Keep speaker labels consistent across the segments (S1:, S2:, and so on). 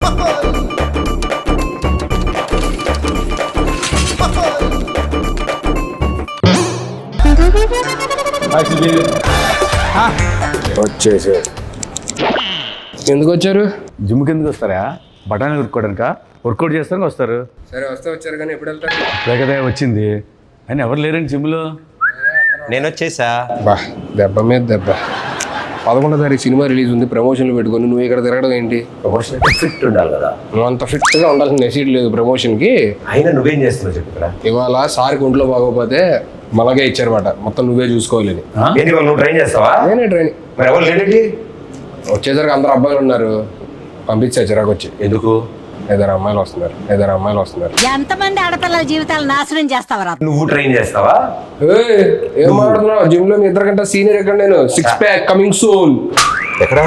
S1: వచ్చేసి ఎందుకు వచ్చారు?
S2: జిమ్కి ఎందుకు వస్తారా? బఠానీ ఉరుక్కోవడానిక? వర్కౌట్ చేస్తానికి వస్తారు.
S1: సరే వస్తే వచ్చారు కానీ ఎప్పుడు వెళ్తారు?
S2: లేకదే వచ్చింది అని ఎవరు లేరండి జిమ్లో.
S3: నేను వచ్చేసా.
S1: బా దెబ్బ మీద దెబ్బ. 11వ తారీఖు సినిమా రిలీజ్ ఉంది, ప్రమోషన్లు పెట్టుకొని నువ్వు ఇక్కడ తిరగడం ఏంటి?
S3: ప్రమోషన్ ఫిట్ ఉండాలి కదా.
S1: నువ్వు అంత ఫిట్గా ఉండాల్సిన నెసీడ్ లేదు ప్రమోషన్కి.
S3: అయినా నువ్వేం చేస్తున్నావు చెప్పు ఇక్కడ.
S1: ఇవాళ సార్కి ఒంట్లో బాగోపోతే మలగే ఇచ్చారన్నమాట, మొత్తం నువ్వే చూసుకోవాలని.
S3: ఏంటి వాళ్ళు నువ్వు ట్రైన్ చేస్తావా?
S1: నేనే ట్రైనింగ్.
S3: మరి ఎవరు లేడండి?
S1: వచ్చేసరికి అందరు అబ్బాయిలు ఉన్నారు, పంపించా చిరాకు వచ్చి.
S3: ఎందుకు?
S1: 5 అమ్మాయిలు వస్తున్నారు.
S4: ఎంతమంది ఆడపిల్లల జీవితాలు నాశనం చేస్తావరా?
S3: నువ్వు ట్రైన్ చేస్తావా?
S1: ఏం మాట్లాడుతున్నావు? జిమ్ లో మీ ఇద్దరికంటే సీనియర్ ఎక్కడ? నేను 6 ప్యాక్ కమింగ్ సూన్.
S3: ఎక్కడ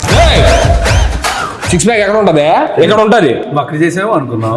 S1: 6 ప్యాక్ ఎక్కడ ఉంటది? ఎక్కడ ఉంటది?
S2: అక్కడ చేసావు అనుకున్నావు.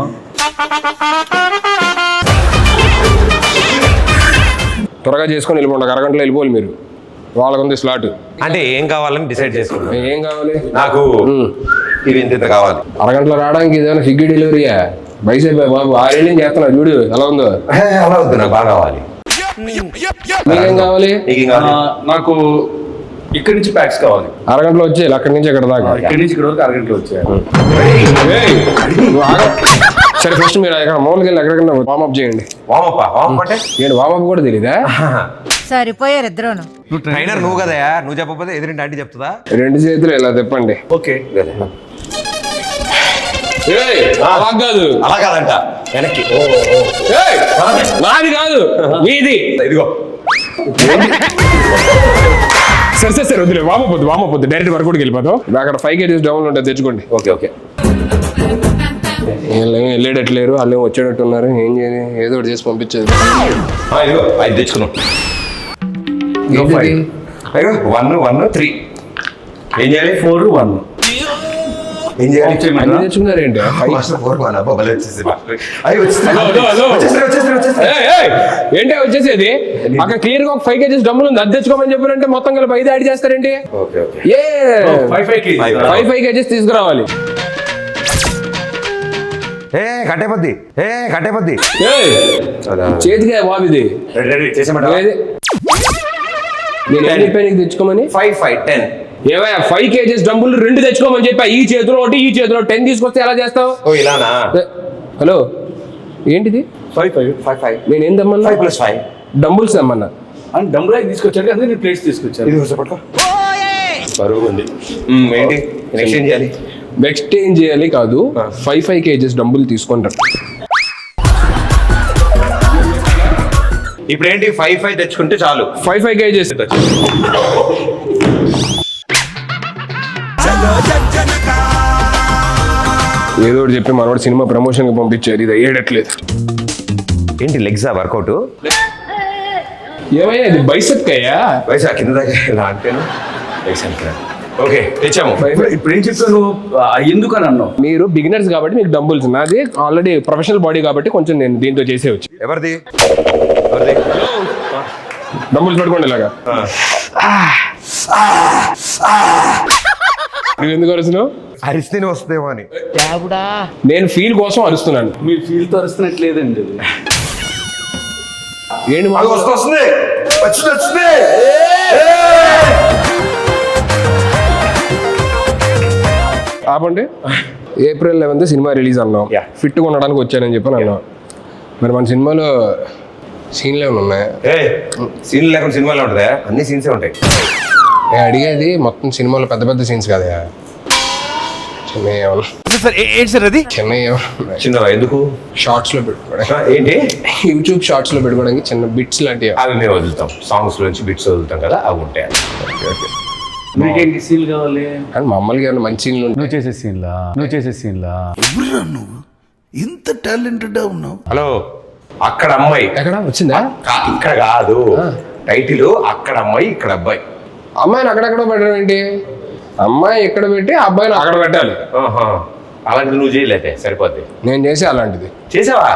S1: త్వరగా చేసుకొని వెళ్ళిపోండి, అరగంటలో వెళ్ళిపోవాలి మీరు. వాళ్ళకు ఉంది స్లాట్.
S3: అంటే ఏం కావాలని డిసైడ్ చేసుకున్నా.
S1: ఏం కావాలి
S3: నాకు? ఇవి ఇంత కావాలి.
S1: అరగంటలో రావడానికి ఏదైనా స్విగ్గీ డెలివరీయా? బైసైప్ బాబు 6 ఏళ్ళు చేస్తున్నా చూడు ఎలా ఉందో.
S3: అలా వద్దు, నాకు బాగా కావాలి.
S1: మీకేం కావాలి?
S3: నీకేం కావాలి?
S2: నాకు ఇక్కడి నుంచి ప్యాక్స్ కావాలి.
S1: అరగంటలో వచ్చేయాలి, అక్కడి నుంచి ఎక్కడ దాకా.
S2: ఇక్కడి నుంచి ఇక్కడ వరకు అరగంటలో వచ్చాయి.
S1: సరే ఫస్ట్ మీరు ఎక్కడ మామూలుగా వెళ్ళి ఎక్కడికన్నా వార్మప్ చేయండి.
S3: వామప్ అంటే
S1: ఏంటి వార్మప్ కూడా తెలీదా?
S4: సరిపోయారు ఇద్దరును.
S3: ట్రైనర్ నువ్వు కదా, నువ్వు చెప్పకపోతే ఎదురింటి ఆంటీ చెప్తుందా?
S1: 2 చేతులు ఇలా తిప్పండి.
S2: ఓకే.
S1: అలా కాదు,
S3: అలా కాదంట, వెనక్కి.
S1: నాది కాదు మీది.
S3: ఇదిగో
S1: సరే వద్దులే, వామపోద్దు డైరెక్ట్ వర్కౌట్కి వెళ్ళిపోతాం. అక్కడ 5 kgs డౌన్ ఉంటుంది, తెచ్చుకోండి.
S3: ఓకే.
S1: వెళ్ళేటట్లేరు, వాళ్ళు వచ్చేటట్టు ఉన్నారు. ఏం చేయాలి? ఏదో ఒకటి చేసి పంపించేది.
S3: ఇదిగో 5 తెచ్చుకున్నాం. 1 3 ఏం చేయాలి? 4 1 ఏం చేయాలి?
S1: అన్ని తెచ్చుకున్నారేంటి? ఏంటి వచ్చేసేది? అక్కడ క్లియర్ గా ఒక 5 kgs డబ్బులు ఉంది, అది తెచ్చుకోమని చెప్పారంటే మొత్తం కలిపి 5 యాడ్ చేస్తారేంటి? 5 kgs తీసుకురావాలి.
S3: కట్టేపద్ది
S1: చేతిగా బాబు ఇది. నేను చెప్పాను తెచ్చుకోమని.
S3: 5 5 10
S1: ఏవయ్యా 5 kgs డబ్బులు 2 తెచ్చుకోమని చెప్పా. ఈ చేతిలో ఒకటి, ఈ చేతిలో 10 తీసుకొస్తే ఎలా చేస్తావు?
S3: ఇలానా?
S1: హలో ఏంటిది?
S2: 5 5 5
S1: నేనేం తెమ్మన్నా?
S3: 5 + 5
S1: డంబుల్స్ తెమ్మన్నా.
S2: అని డంబుల్ తీసుకొచ్చాడు కదా, నేను ప్లేట్స్ తీసుకొచ్చాను.
S3: ఇది పట్టుకో, బరువు ఉంది. ఏంటి ఎక్స్చేంజ్ చేయాలి?
S1: ఎక్స్చేంజ్ చేయాలి కాదు, 5 kgs డబ్బులు తీసుకుంటారు.
S3: ఇప్పుడు ఏంటి 5 5 తెచ్చుకుంటే చాలు.
S1: 5 kgs ఏదో ఒకటి చెప్పి మనవాడు సినిమా ప్రమోషన్ కి పంపించారు. ఇది అయ్యేటట్లేదు.
S3: ఏంటి లెగ్సా వర్కౌట్?
S1: ఏమయ్యా ఇది బైసెప్ అయ్యా?
S3: వయసు కింద దాకా ఇలా అంటేను. ఓకే తెచ్చాము.
S2: ఇప్పుడు ఏం చెప్పాను? ఎందుకు అని అన్నావు?
S1: మీరు బిగినర్స్ కాబట్టి మీకు డంబుల్స్, నాది ఆల్రెడీ ప్రొఫెషనల్ బాడీ కాబట్టి కొంచెం నేను దీంతో చేసేవచ్చు.
S3: ఎవరిది?
S1: డంబుల్స్ పట్టుకోండి ఇలాగా. నువ్వు ఎందుకు అరుస్తున్నావు?
S3: అరిస్తేనే వస్తుందేమో అని.
S1: నేను ఫీల్ కోసం అరుస్తున్నాను.
S2: మీరు ఫీల్ తో అరుస్తున్నట్లేదండి.
S1: ఏంటి
S3: వస్తుంది.
S1: ఆపండి. April 11th సినిమా రిలీజ్ అన్నాం. ఫిట్గా ఉండడానికి వచ్చానని చెప్పి అన్నాం. మరి మన సినిమాలో సీన్లు ఏమైనా ఉన్నాయా?
S3: సీన్లు లేకుండా సినిమాలో ఉంటుందా? అన్ని సీన్సే ఉంటాయి.
S1: నేను అడిగేది మొత్తం సినిమాలో పెద్ద పెద్ద సీన్స్ కదా,
S3: చిన్న ఎందుకు
S1: షార్ట్స్ లో పెట్టుకోవడానికి.
S3: ఏంటి
S1: యూట్యూబ్ షార్ట్స్ లో పెట్టుకోవడానికి చిన్న బిట్స్ లాంటివి.
S3: అవి మేము వదులుతాం, సాంగ్స్ నుంచి బిట్స్ వదులుతాం కదా, అవి ఉంటాయి.
S2: మీకేంటి సీన్ కావాలి?
S1: కానీ మామూలుగా ఏమైనా మంచి సీన్లు
S2: నువ్వు చేసే సీన్లా
S5: నువ్వు ఇంత టాలెంటెడ్ ఉన్నావు.
S3: హలో, అక్కడ అమ్మాయి
S1: ఎక్కడ వచ్చిందా?
S3: ఇక్కడ కాదు, టైటిల్ అక్కడ అమ్మాయి ఇక్కడ అబ్బాయి.
S1: అమ్మాయిని అక్కడెక్కడ పెట్టడం ఏంటి? అమ్మాయి ఇక్కడ పెట్టి అబ్బాయిని అక్కడ పెట్టాలి.
S3: అలాంటిది నువ్వు చేయలేదే సరిపోద్ది.
S1: నేను చేసి అలాంటిది
S3: చేసావా?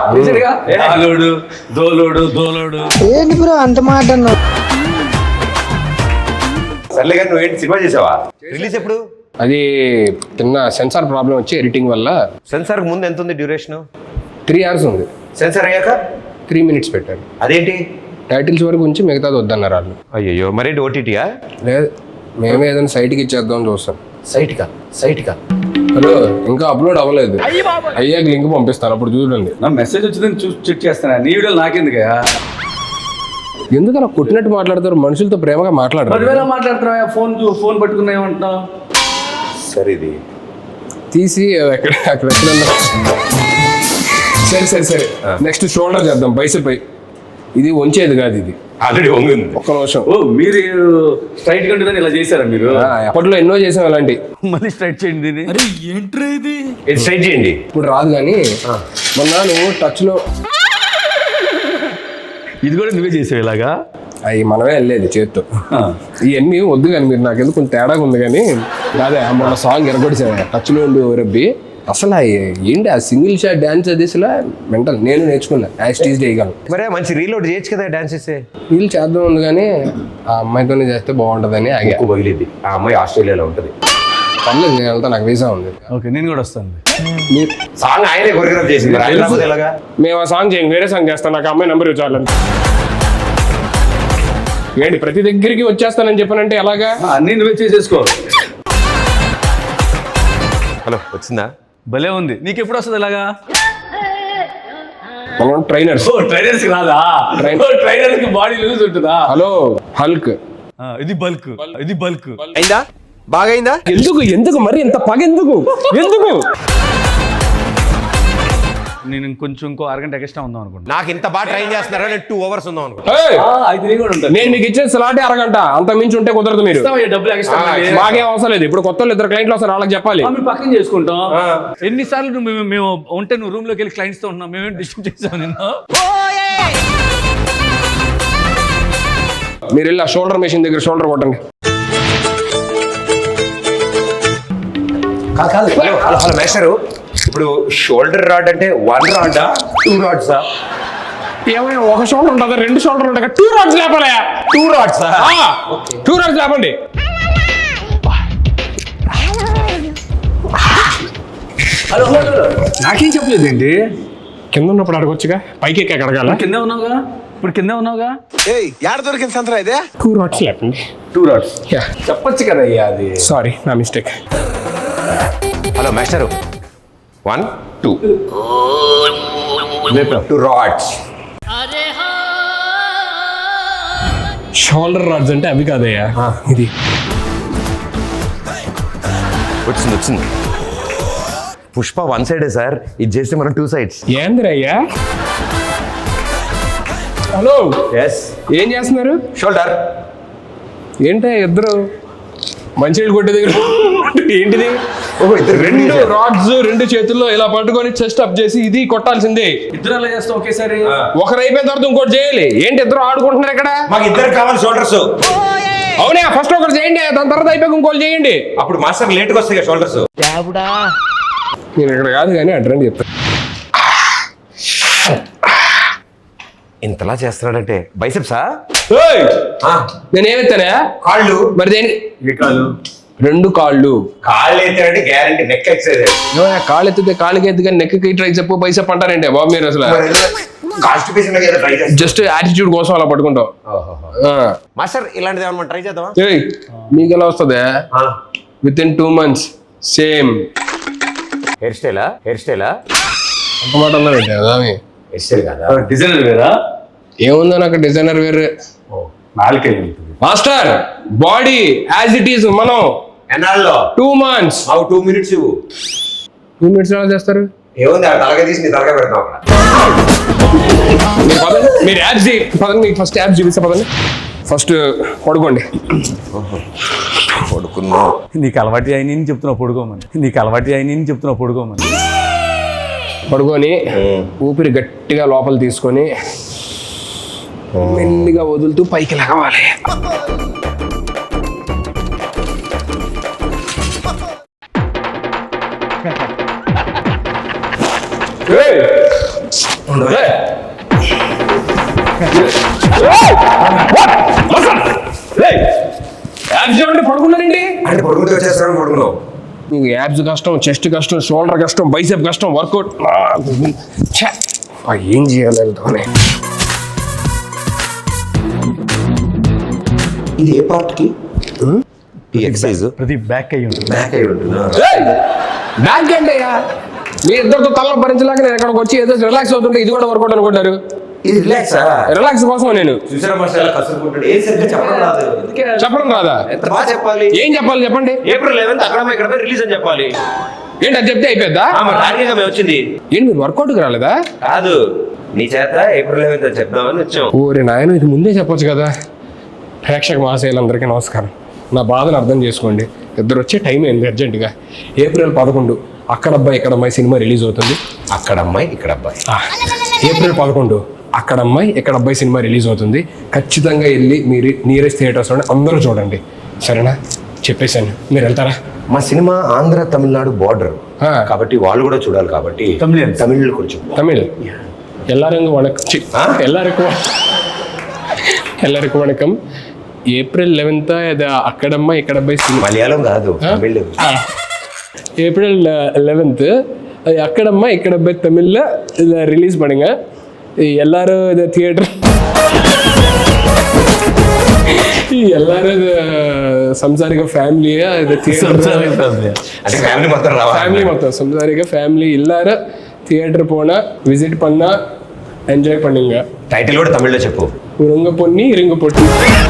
S2: దోలోడు
S4: ఏంటి బ్రో అంత మాట అన్నావు?
S3: సర్లే కానీ నువ్వేంటి సినిమా చేసావా? రిలీజ్ ఎప్పుడు?
S1: అది చిన్న సెన్సార్ ప్రాబ్లం వచ్చి ఎడిటింగ్ వల్ల
S3: సెన్సార్ ముందు ఎంత ఉంది డ్యూరేషన్?
S1: 3 hours ఉంది.
S3: సెన్సార్ అయ్యాక
S1: 3 minutes పెట్టారు.
S3: అదేంటి?
S1: టైటిల్స్ వరకు ఉంచి మిగతాది వద్దన్నారు వాళ్ళు.
S3: అయ్యో మరేంటి ఓటీటీయా?
S1: లేదు, మేమే ఏదైనా సైట్కి ఇచ్చేద్దాం చూస్తాం.
S3: సైట్కా
S1: హలో, ఇంకా అప్లోడ్ అవ్వలేదు. అయ్యాక లింక్ పంపిస్తాను, అప్పుడు చూడండి.
S2: నా మెసేజ్ వచ్చిందని చెక్ చేస్తానా? నీ వీడియోలు నాకెందుకయ్యా?
S1: ఎందుకు అలా కొట్టినట్టు మాట్లాడతారు? మనుషులతో ప్రేమగా మాట్లాడరు.
S2: పదివేల మాట్లాడుతున్నావా? ఫోన్ పట్టుకున్నా ఏమంటున్నావు?
S3: సరే ఇది
S1: తీసి అక్కడ ఎక్కడన్నా. సరే నెక్స్ట్ షోల్డర్ చేద్దాం, బైసెప్. ఇది వంచేది కాదు, ఇది
S3: ఆల్రెడీ వంగింది.
S1: ఒక్క నిమిషం.
S2: ఓ, మీరు స్ట్రైట్ గా ఉంటుందని ఇలా చేశారా మీరు?
S1: అప్పట్లో ఎన్నో చేసాం అలాంటి.
S2: మళ్ళీ స్ట్రైట్ చేయండి దీన్ని.
S3: ఇది స్ట్రైట్ చేయండి.
S1: ఇప్పుడు రాదు కానీ మొన్న నువ్వు టచ్లో
S2: ఇది కూడా నువ్వే చేసావు ఇలాగా?
S1: అవి మనమే వెళ్ళేది చేత్తో. ఇవన్నీ వద్దు కానీ మీరు నాకేదో కొంచెం తేడాగా ఉంది కానీ అదే మొన్న సాంగ్ ఎరగొడిసా టచ్లో ఉండి రబ్బి. అసలు ఏంటి ఆ సింగిల్ షాట్ డాన్స్ అది అసలు మెంటల్. నేను నేర్చుకున్నా యాక్టీజ్ చేయగలను.
S3: మరే మంచి రీలోడ్ చేయొచ్చు కదా డాన్స్ చేస్తే.
S1: వీళ్ళు చేద్దాం ఉంది కానీ ఆ అమ్మాయితోనే చేస్తే బాగుంటుందని ఆగా.
S3: ఎక్కువ పగిలిద్ది. ఆ అమ్మాయి ఆస్ట్రేలియాలో ఉంటుంది.
S1: పర్లేదు, నేను వెళ్తా, నాకు వీసా ఉంది.
S2: ఓకే, నేను కూడా వస్తాను.
S1: మీరు
S3: సాంగ్ ఆయనే కొరియోగ్రాఫ్ చేసింది. హైదరాబాద్ ఎలాగా?
S1: మేము ఆ సాంగ్ చేయండి, వేరే సాంగ్ చేస్తాను. నాకు అమ్మాయి నెంబర్ ఇవ్వాలి. ఏంటి ప్రతి దగ్గరికి వచ్చేస్తానని చెప్పానంటే ఎలాగా?
S2: అన్నీ నువ్వే చేసేసుకో.
S3: హలో, వచ్చిందా?
S2: భలే ఉంది. నీకు ఎప్పుడు వస్తుంది ఇలాగా?
S1: మనం ట్రైనర్స్.
S2: ట్రైనర్స్ కి రాదా? ట్రైనర్స్ కి బాడీ లూజ్ ఉంటుందా?
S1: Hello, Hulk.
S2: ఇది బల్క్.
S3: అయిందా? బాగా అయిందా?
S1: ఎందుకు మరి ఇంత పగ ఎందుకు?
S2: నేను ఇంకో అరగంట ఎక్స్ట్రా ఉందాం అనుకుంటా.
S3: నాకు ఇంత బాగా ట్రైన్ చేస్తున్నారా? నేను 2 hours ఉందాం అనుకుంటా.
S2: అయితే నేను కూడా ఉంటాను.
S1: నేను మీకు ఇచ్చే స్లాటే అరగంట, అంత మించి ఉంటే కుదరదు. మీరు
S2: డబ్బులు ఎక్స్ట్రా
S1: మాకేం అవసరం లేదు. ఇప్పుడు కొత్త 2 క్లయింట్లు వస్తారు, వాళ్ళకి చెప్పాలి.
S2: మేము పక్కన చేసుకుంటాం. ఎన్నిసార్లు మేము ఉంటే నువ్వు రూమ్ లోకి వెళ్ళి క్లయింట్స్ తో ఉన్నాం. మేమేం డిస్టర్బ్ చేసాం నిన్ను?
S1: మీరు వెళ్ళి ఆ షోల్డర్ మెషిన్ దగ్గర షోల్డర్ కొట్టండి.
S3: కాదు హలో మేస్టరు, ఇప్పుడు షోల్డర్ రాడ్ అంటే 1 రాడా 2 రాడ్సా?
S1: ఏమైనా ఒక షోల్డర్ ఉంటుందా? 2 షోల్డర్ ఉంటాయి. 2 రాడ్స్ లేపాలి.
S3: 2 రాడ్సా?
S1: 2 రాడ్స్ లేపండి.
S2: హలో, నాకేం చెప్పలేదు ఏంటి?
S1: కింద ఉన్నప్పుడు అడగొచ్చుగా, పైకి ఎక్కి అడగాల.
S2: కింద ఉన్నావుగా.
S3: యాడ దొరికింది సంతరా ఇదే?
S1: 2 రాడ్స్ లేపండి.
S2: 2 రాడ్స్ చెప్పొచ్చు కదా అయ్యా. అది
S1: సారీ, నా mistake.
S3: Hello master, 1 2 2 rods.
S1: Shoulder rods అంటే అవి కాదయ్యా, ఇది.
S3: వచ్చింది. పుష్ప 1 సైడే సార్, ఇది చేస్తే మనం 2 sides.
S1: ఏందిరయ్యా? Hello,
S3: yes.
S1: ఏం చేస్తున్నారు?
S3: షోల్డర్.
S1: ఏంటో ఇద్దరు మంచినీళ్ళు కొట్టే దగ్గర ఏంటిది?
S3: ఓహో, ఇద్దరు
S1: 2 రాడ్స్ 2 చేతుల్లో ఇలా పట్టుకొని చెస్ట్ అప్ చేసి ఇది కొట్టాల్సిందే.
S2: ఇద్దరు అలా చేస్తాం ఒకేసారి.
S1: ఒకరు అయిపోయిన తర్వాత ఇంకోటి చేయాలి. ఏంటి ఇద్దరు ఆడుకుంటున్నారు ఇక్కడ?
S3: మాకు ఇద్దరు కావాలి షోల్డర్స్.
S1: అవునా, ఫస్ట్ ఒకటి చేయండి, దాని తర్వాత అయిపోయి ఇంకోటి చేయండి.
S3: అప్పుడు మాస్టర్ లేట్గా వస్తాయి షోల్డర్స్.
S1: నేను ఇక్కడ కాదు కానీ అడ్రండి చెప్తాను.
S3: ఇంతలా చేస్తున్నాడంటే బైసెప్సా?
S1: నేనేమెత్తానా?
S3: కాళ్ళు.
S1: మరి దేని?
S2: ఏ కాళ్ళు?
S1: 2 కాళ్ళు.
S3: కాళ్ళు ఎత్తారంటే గ్యారంటీ నెక్ ఎక్సైజ్.
S1: కాళ్ళు ఎత్తితే కాళ్ళకి ఎత్తు కానీ నెక్కి ట్రై చెప్పు బైసెప్ అంటారంటే బాబు మీరు అసలు. జస్ట్ యాటిట్యూడ్ కోసం అలా పట్టుకుంటావు.
S3: మాస్టర్ ఇలాంటిది ఏమన్నా ట్రై చేద్దామా?
S1: మీకు ఎలా వస్తుంది? Within 2 months same
S3: hair స్టైలా?
S1: ఒక మాట అన్నా పెట్టా.
S3: హెయిర్ స్టైల్ కదా,
S2: డిజైనర్ వేరా?
S1: ఏముందో నాకు డిజైనర్ వేరే.
S2: నాలుకే
S1: master body as it is. మనం
S3: ఎన్నాళ్ళలో?
S1: 2 months.
S3: 2 minutes ఇవ్వు.
S1: 2 minutes ఎలా చేస్తారు?
S3: ఏముంది, ఆ తలగా తీసి నీ తలగా పెడతాం అక్కడ.
S1: మీరు యాప్స్ పదండి, మీకు ఫస్ట్ యాప్స్ చూపిస్తా పదండి. ఫస్ట్ పడుకోండి.
S3: పడుకున్నా.
S2: నీకు అలవాటు అయిన చెప్తున్నావు పడుకోమని.
S1: పడుకొని ఊపిరి గట్టిగా లోపల తీసుకొని మెల్లిగా వదులుతూ పైకి లగవాలి. పడుకున్నారండి?
S3: అంటే పడుకుంటే వచ్చేస్తాను. పడుకున్నావు
S1: నీకు యాబ్స్ కష్టం, చెస్ట్ కష్టం, షోల్డర్ కష్టం, బైసెప్ కష్టం, వర్కౌట్ ఏం చేయాలి వెళ్తామని.
S3: ఇది ఏ పార్ట్ కి ఈ ఎక్సర్సైజ్
S2: ప్రతి బ్యాక్ అయ్యి ఉంటుంది.
S3: బ్యాక్ అయి ఉంటుందా?
S1: బ్యాక్ ఏంటయ్యా, మీ ఇద్దరితో తల భరించలేక నేను ఎక్కడికి వచ్చి ఏదో రిలాక్స్ అవుతుంటే ఇది కూడా వర్కౌట్ అనుకుంటారు.
S3: ఇది రిలాక్సా?
S1: రిలాక్స్ కోసం నేను
S3: చూసారా మాస్టర్ ఎలా కసురుకుంటాడు? ఏ సరిగ్గా చెప్పడం రాదు.
S1: చెప్పడం రాదా?
S3: ఎంత బాగా చెప్పాలి.
S1: ఏం చెప్పాలి చెప్పండి.
S3: ఏప్రిల్ 11th అక్కడ ఇక్కడ రిలీజ్ అని చెప్పాలి.
S1: ఏంటి అది చెప్తే అయిపోద్దా?
S3: రానిగా మేము వచ్చింది.
S1: ఏంటి మీరు వర్కౌట్కి రాలేదా?
S3: కాదు, నీ చేత ఏప్రిల్ 11th అని చెప్దామని వచ్చాం.
S1: ఓరే నాయన, ఇది ముందే చెప్పొచ్చు కదా. ప్రేక్షక మహాశయులందరికీ నమస్కారం. నా బాధను అర్థం చేసుకోండి. ఇద్దరు వచ్చే టైం ఏంది అర్జెంటుగా. ఏప్రిల్ 11 అక్కడ అబ్బాయి ఇక్కడ అమ్మాయి సినిమా రిలీజ్ అవుతుంది.
S3: అక్కడ అమ్మాయి ఇక్కడ అబ్బాయి.
S1: ఏప్రిల్ 11 అక్కడ అమ్మాయి ఇక్కడ అబ్బాయి సినిమా రిలీజ్ అవుతుంది. ఖచ్చితంగా వెళ్ళి మీరు నియరెస్ట్ థియేటర్స్లో అందరూ చూడండి, సరేనా? చెప్పేశాను, మీరు వెళ్తారా?
S3: మా సినిమా ఆంధ్ర తమిళనాడు బార్డర్
S1: ఆ.
S3: కాబట్టి వాళ్ళు కూడా చూడాలి కాబట్టి తమిళ్ కొంచెం
S1: தமிழ் எல்லாருக்கும் வணக்கம். எல்லாருக்கும் வணக்கம். ఏప్రిల్ 11 అది అక్కడమ్మ ఇక్కడ అబ్బాయి సినిమా.
S3: మలయాళం కాదు, తమిళ్.
S1: ஏப்ரல் 11 அது அக்கடம்மா இக்கடப்பை தமிழில் இதை ரிலீஸ் பண்ணுங்க. எல்லாரும் இதை தியேட்டர் எல்லாரும் இது సంసారిక ఫ్యామిలీగా ఇది
S3: అంటే ఫ్యామిలీ మొత్తం రావాలి.
S1: ఫ్యామిలీ మొత్తం సంసారిక ఫ్యామిలీ எல்லாரும் தியேட்டர் போனா விசிட் பண்ணா ఎంజాయ్ பண்ணுங்க.
S3: టైటిల్ కూడా తమిళ్లో చెప్పు.
S1: உருங்க பொண்ணி இருங்க பொட்டி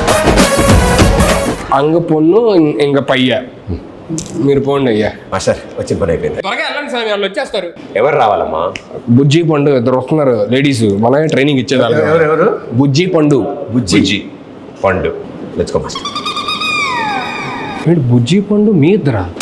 S1: అంగ పొన్ను ఇంక పయ్య. మీరు పోండి అయ్యా.
S3: మాస్టర్ వచ్చిన పని అయిపోయింది.
S1: త్వరగా వెళ్ళండి స్వామి, వాళ్ళు వచ్చేస్తారు.
S3: ఎవరు రావాలమ్మా?
S1: బుజ్జి పండు ఇద్దరు వస్తున్నారు లేడీస్, మనమే ట్రైనింగ్ ఇచ్చేదాన్ని.
S2: ఎవరు?
S1: బుజ్జి పండు.
S3: బుజ్జి పండు. Let's go master.
S1: బుజ్జి పండు మీ ఇద్దరా?